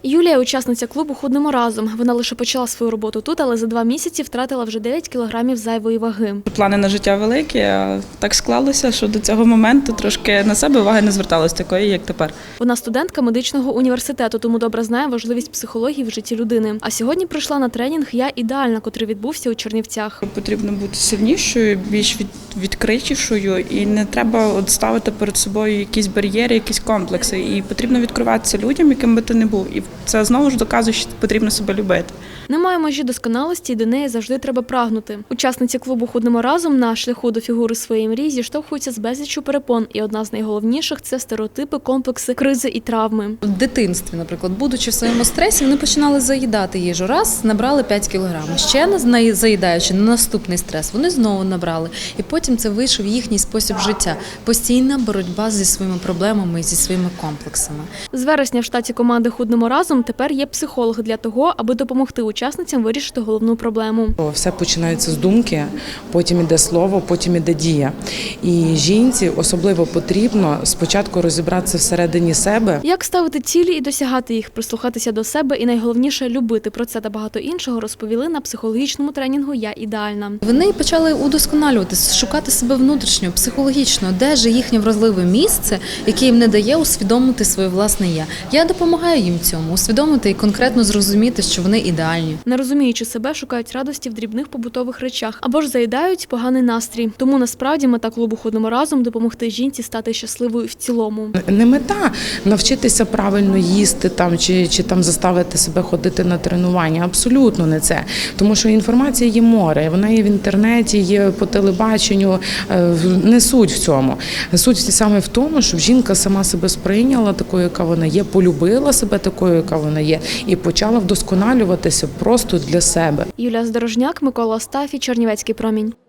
Юлія – учасниця клубу «Худнемо разом». Вона лише почала свою роботу тут, але за 2 місяці втратила вже 9 кілограмів зайвої ваги. Плани на життя великі, а так склалося, що до цього моменту трошки на себе уваги не зверталось такої, як тепер. Вона студентка медичного університету, тому добре знає важливість психології в житті людини. А сьогодні прийшла на тренінг «Я ідеальна», котрий відбувся у Чернівцях. Потрібно бути сильнішою, більш відкритішою, і не треба ставити перед собою якісь бар'єри, якісь комплекси. І потрібно відкриватися людям, яким би ти не був. І це знову ж доказує, що потрібно себе любити. Немає межі досконалості, і до неї завжди треба прагнути. Учасниці клубу «Худнемо разом» на шляху до фігури своєї мрії зіштовхуються з безліччю перепон. І одна з найголовніших – це стереотипи, комплекси, кризи і травми. В дитинстві, наприклад, будучи в своєму стресі, вони починали заїдати їжу. Раз, набрали 5 кілограмів. Ще заїдаючи на наступний стрес, вони знову набрали. І потім це вийшов їхній спосіб життя. Постійна боротьба зі своїми проблемами і зі своїми комплексами. З вересня в штаті команди «Худнемо разом» тепер є психолог для того, аби допомогти учасницям вирішити головну проблему. Все починається з думки, потім іде слово, потім іде дія. І жінці особливо потрібно спочатку розібратися всередині себе. Як ставити цілі і досягати їх, прислухатися до себе і найголовніше – любити. Про це та багато іншого розповіли на психологічному тренінгу «Я ідеальна». Вони почали удосконалюватися, шукати себе внутрішньо, психологічно, де ж їхнє вразливе місце, яке їм не дає усвідомити своє власне «я». Я допомагаю їм цьому, усвідомити і конкретно зрозуміти, що вони ідеальні. Не розуміючи себе, шукають радості в дрібних побутових речах або ж заїдають поганий настрій. Тому насправді мета клубу «Худнемо разом» – допомогти жінці стати щасливою в цілому. Не мета навчитися правильно їсти чи заставити себе ходити на тренування. Абсолютно не це. Тому що інформація є море, вона є в інтернеті, є по телебаченню. Не суть в цьому. Суть саме в тому, щоб жінка сама себе сприйняла такою, яка вона є, полюбила себе такою, яка вона є, і почала вдосконалюватися просто для себе. Юлія Здорожняк, Микола Остафій, Чернівецький промінь.